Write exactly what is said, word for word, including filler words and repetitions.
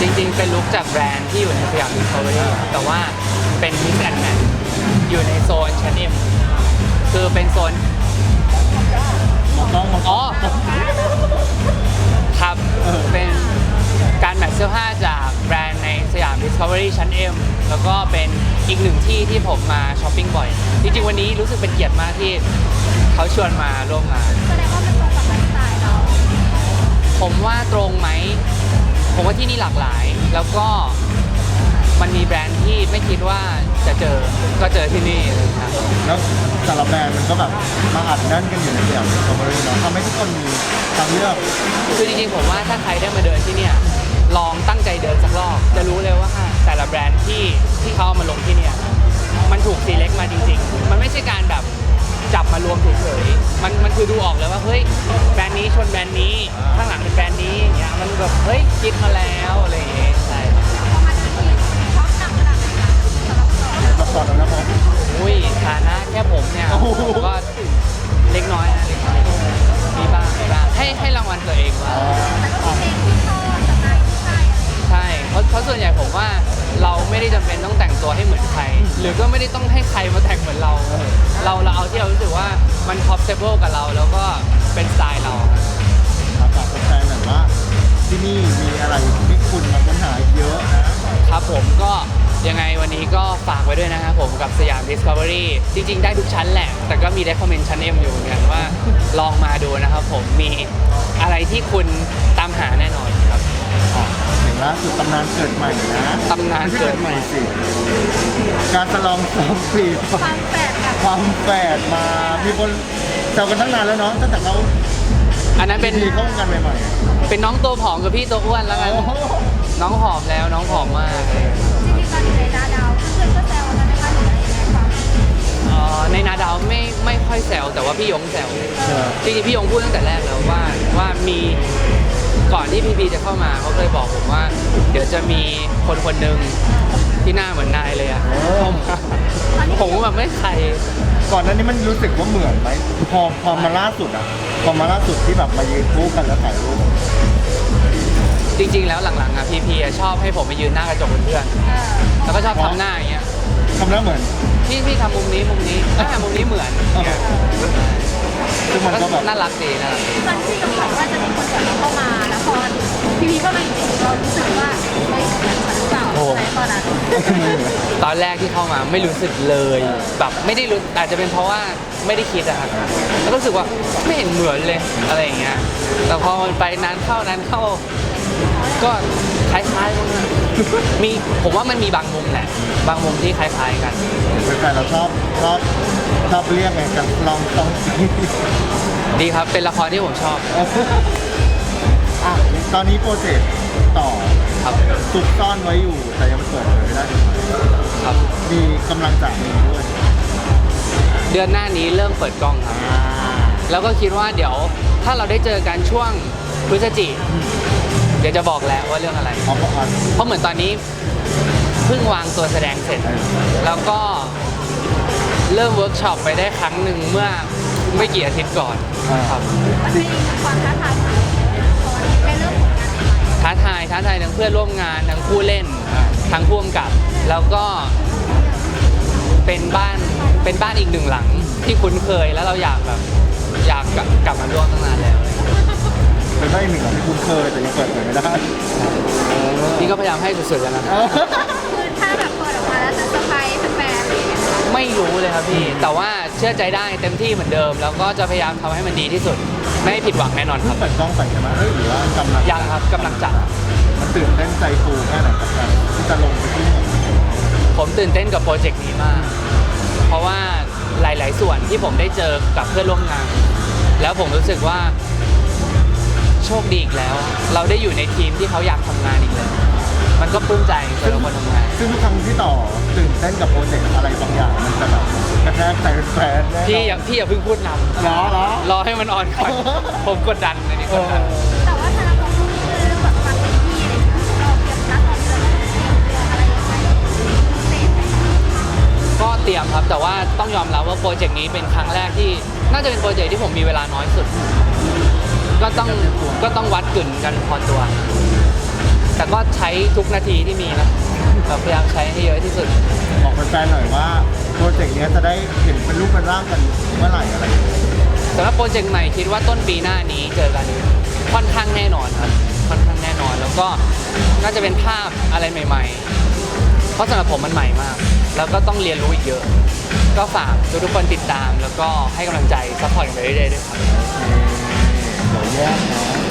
จริงๆเป็นลุคจากแบรนด์ที่อยู่ในสยามดิสคัฟเวอรี่แต่ว่าเป็นมิกซ์แอนด์แมทอยู่ในโซนชั้นเอ็มคือเป็นโซนมองกล้องมองกล้อ๋ออง ครับเป็นการแมทเสื้อผ้าจากแบรนด์ในสยาม Discovery ชั้น M แล้วก็เป็นอีกหนึ่งที่ที่ผมมาช้อปปิ้งบ่อย จริงๆวันนี้รู้สึกเป็นเกียรติมากที่เขาชวนมาร่วมงานแสดงว่ามันตรงกับไลฟ์สไตล์เราผมว่าตรงไหม ผมว่าที่นี่หลากหลาย แล้วก็มันมีแบรนด์ที่ไม่คิดว่าจะเจอ ก็เจอที่นี่เลยครับแล้วแต่ละแบรนด์มันก็แบบมาอัดแน่นกันอยู่ในสยามดิสคัฟเวอรี่เนาะทำให้ทุกคนมีทางเลือกคือจริงๆผมว่าถ้าใครได้มาเดินที่เนี่ยลองตั้งใจเดินสักรอบจะรู้เลยว่าแต่ละแบรนด์ที่ที่เขาเอามาลงที่เนี่ยมันถูกซีเล็กมาจริงๆมันไม่ใช่การแบบจับมารวมเฉยๆมันมันคือดูออกเลยว่าเฮ้ยแบรนด์นี้ชนแบรนด์นี้ข้างหลังเป็นแบรนด์นี้อย่างเงี้ยมันแบบเฮ้ยคิดมาแล้วอะไรอย่างเงี้ยใช่พอมาเดินที่ชอบจังขนาดไหนคะสำหรับเรารับก่อนแล้วนะผมอุ้ยฐานะแค่ผมเนี่ยโอ้โหก็เล็กน้อยนะเล็กน้อยมีบ้างมีบ้างให้ให้รางวัลตัวเองว่าแต่ก็มีเพลงที่ชอบสไตล์ที่ใช่อะไรอย่างเงี้ยใช่เพราะเพราะส่วนใหญ่ผมว่าเราไม่ได้จำเป็นต้องแต่งตัวให้เหมือนใคร หรือก็ไม่ได้ต้องให้ใครมาแต่งเหมือนเรา เราเราเอาที่เรารู้สึกว่ามัน comfortable กับเราแล้วก็เป็นสไตล์เราครับฝากแฟนๆหน่อยว่าที่นี่มีอะไรที่คุณมาค้นหาเยอะนะครับผมก็ยังไงวันนี้ก็ฝากไว้ด้วยนะครับผมกับสยาม Discovery จริงๆได้ทุกชั้นแหละ แต่ก็มีได้คอมเมนต์ชั้น M อยู่เหมือนกันว่าลองมาดูนะครับผมมีอะไรที่คุณตามหาแน่นอนครับอ๋อเห็นล่าสุดตำนานเกิดใหม่นะตำนานเกิดใหม่สิการฉลองสองปีความแปลกกับความแฝดมา มีคนแซวกันตั้งนานแล้วเนาะตั้งแต่เขาอันนั้นเป็นดีเข้าวงการใหม่เป็นน้องตัวผอมกับพี่ตัวอ้วนแล้วๆกันโอ้โหน้องผอมแล้วน้องผอมมากจริงๆตอนอยู่ในดาดาวเพื่อนๆก็แซวกันนะคะหรืออะไรยังไงความเอ่อในนาดาวไม่ไม่ค่อยแซวแต่ว่าพี่ยงแซวใช่ไหมจริงๆพี่ยงพูดตั้งแต่แรกแล้วว่าว่ามีก่อนที่พีพีจะเข้ามาเขาเคยบอกผมว่า เดี๋ยวจะมีคนคนหนึ่งที่หน้าเหมือนนายเลยอะเข้ามาผมก็แบบไม่ใครก่อนหน้านี้มันรู้สึกว่าเหมือนไหมพอพอมาล่าสุดอ่ะพอมาล่าสุดที่แบบมายืนคู่กันแล้วถ่ายรูปจริง ๆ แล้วหลังๆอะพีพีชอบให้ผมไปยืนหน้ากระจกเป็นเพื่อนเออแล้วก็ชอบทำหน้าอย่างเงี้ยทำหน้าเหมือนพี่พี่ทำมุมนี้มุมนี้อ่ามุมนี้เหมือนอย่างเงี้ยซึ่งมันก็แบบน่ารักดีน่ารักดีตอนที่กำลังว่าจะมีคนแบบเข้ามาแล้วพอพี่พีเข้ามาอยู่เรารู้สึกว่าเฮ้ยเหมือนฉันหรือเปล่าอะไรตอนนั้นตอนแรกที่เข้ามาไม่รู้สึกเลยแบบไม่ได้รู้อาจจะเป็นเพราะว่าไม่ได้คิดอะครับแล้วก็รู้สึกว่าไม่เห็นเหมือนเลยอะไรอย่างเงี้ยแต่พอมันไปนานเข้านานเข้า ก็คล้ายๆกันนะมีผมว่ามันมีบางมุมแหละ บางมุมที่คล้ายๆกันเป็นแฟนเราชอบชอบชอบเรียกไงกันลองต้องดีครับเป็นละครที่ผมชอบอ่ะตอนนี้โปรเจกต์ต่อครับซุกซ่อนไว้อยู่ แต่ยังไม่เปิดเผยไม่ได้ถูกไหมครับมีกำลังจะมีด้วยเดือนหน้านี้เริ่มเปิดกล้องครับอ่าแล้วก็คิดว่าเดี๋ยวถ้าเราได้เจอกันช่วงพฤศจิกเดี๋ยวจะบอกแล้วว่าเรื่องอะไรเอาเพราะอันเพราะเหมือนตอนนี้เพิ่งวางตัวแสดงเสร็จ แล้วก็เริ่มเวิร์กช็อปไปได้ครั้งหนึ่งเมื่อไม่กี่อาทิตย์ก่อนครับมันเป็นความท้าทายของตอนในเรื่องของงานใหม่ท้าทายท้าทายทั้งเพื่อนร่วมงานทั้งผู้เล่นทั้งผู้กำกับ แล้วก็เป็นบ้านเป็นบ้านอีกหนึ่งหลังที่คุ้นเคยแล้วเราอยากแบบอยากกลับมาร่วมตั้งนานแล้วเป็นได้หนึ่งอย่างที่คุ้นเคยแต่ยังเปิดเผยไม่ได้นี่ก็พยายามให้สุดๆแล้วนะเออคือถ้าแบบเปิดออกมาแล้วจะเซอร์ไพรส์แฟนๆอะไรอย่างเงี้ยค่ะไม่รู้เลยครับพี่ แต่ว่าเชื่อใจได้เต็มที่เหมือนเดิม แล้วก็จะพยายามทำให้มันดีที่สุด ไม่ให้ผิดหวังแน่นอนครับเปิดกล้องใส่ใช่ไหมเอ้ยหรือว่ากำลังยังครับกำลังจัดมันตื่นเต้นใจฟูแค่ไหนกับการที่จะลงไปที่นี่ผมตื่นเต้นกับโปรเจกต์นี้มาก เพราะว่าหลาย ๆ ส่วนที่ผมได้เจอกับเพื่อนร่วมงาน แล้วผมรู้สึกว่าโชคดีอีกแล้ว เราได้อยู่ในทีมที่เขาอยากทำงานอีกแล้ว มันก็ปลื้มใจสำหรับคนทำงานซึ่งทุกครั้งที่ต่อตื่นเต้นกับโปรเจกต์อะไรบางอย่างมันจะแบบกระแทกใจแฟนๆแน่นอนพี่อย่าพี่อย่าเพิ่งพูดนำเหรอเหรอรอให้มันออนก่อน ผมกดดันอันนี้กดดันแต่ว่าถ้าเราลงทุนเรื่องแบบความเป็นที่อะไรอย่างเงี้ยเราเตรียมนัดเราเตรียมเตรียมเตรียมอะไรยังไงพิเศษไหมคะก็เตรียมครับ แต่ว่าต้องยอมรับว่าโปรเจกต์นี้เป็นครั้งแรกที่น่าจะเป็นโปรเจกต์ที่ผมมีเวลาน้อยสุด ก็ต้องก็ต้องวัดกึ่นกันพอตัวแต่ก็ใช้ทุกนาทีที่มีนะแบบพยายามใช้ให้เยอะที่สุดบอกแฟนๆหน่อยว่าโปรเจกต์เนี้ยจะได้เห็นเป็นรูปเป็นร่างกันเมื่อไหร่อะไรอย่างเงี้ยสำหรับโปรเจกต์ใหม่คิดว่าต้นปีหน้านี้เจอกันค่อนข้างแน่นอนครับค่อนข้างแน่นอน แล้วก็น่าจะเป็นภาพอะไรใหม่ๆ เพราะสำหรับผมมันใหม่มาก แล้วก็ต้องเรียนรู้อีกเยอะ ก็ฝากทุกๆคนติดตาม แล้วก็ให้กำลังใจซัพพอร์ตกันไปเรื่อยๆด้วยครับเดี๋ยวแยกเนาะ